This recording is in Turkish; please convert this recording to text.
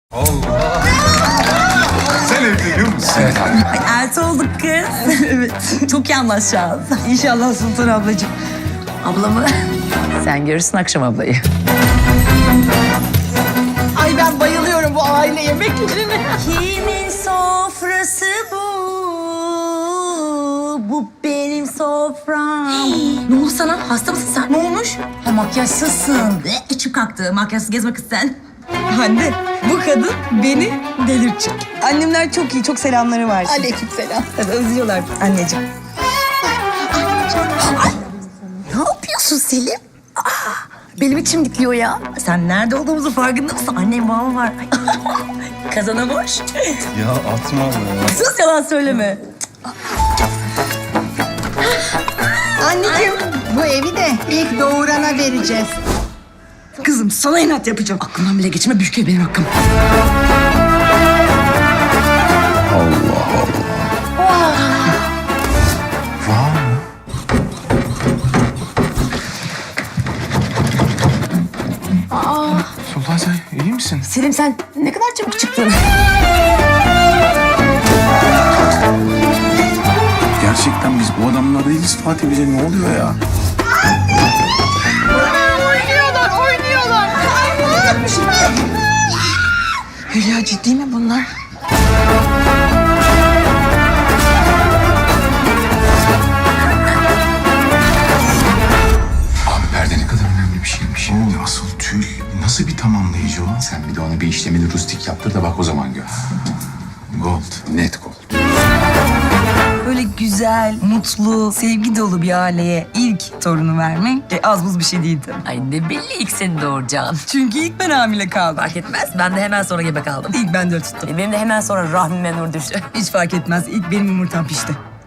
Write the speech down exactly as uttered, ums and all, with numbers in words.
Allah! Sen evleniyor musun? Evet abi. Ay, elti olduk kız. Evet. Çok iyi anlaşacağız. İnşallah Sultan ablacığım. Ablamı. Sen görürsün akşam ablayı. Ay ben bayılıyorum bu aile yemeklerine. Kimin sofrası bu? Bu benim sofram. Ne oldu sana? Hasta mısın sen? Ne olmuş? Ha, makyajsızsın. Ve içim kalktı. Makyajsız gezmek isten. Anne bu kadın beni delirtecek. Annemler çok iyi, çok selamları var. Aleykümselam. Tabii özlüyorlar anneciğim. Ne yapıyorsun Selim? Aa, benim içim dikliyor ya. Sen nerede olduğumuzu farkında mısın? Annem babam var. Kazana boş. Ya atma be. Sus, yalan söyleme. Anneciğim bu evi de ilk doğurana vereceğiz. Kızım sana inat yapacağım. Aklımdan bile geçme, büyük benim hakkım. Sultan sen iyi misin? Selim sen ne kadar çabuk çıktın. Gerçekten biz bu adamlar değiliz Fatih, bize ne oluyor ya? Oynuyorlar, oynuyorlar. Hülya ciddi mi bunlar? Abi perde ne kadar önemli bir şeymiş ya. Oğlum asıl tül nasıl bir tamamlayıcı o? Sen bir de ona bir işlemini rustik yaptır da bak o zaman gör. Gold, net gold. Böyle güzel, mutlu, sevgi dolu bir aileye ilk torunu vermek e, az buz bir şey değildi. Ay ne belli ilk seni doğuracaksın. Çünkü ilk ben hamile kaldım. Fark etmez. Ben de hemen sonra gebe kaldım. İlk ben de tuttum. Benim de hemen sonra rahmime nur düştü. Hiç fark etmez. İlk benim yumurtam pişti.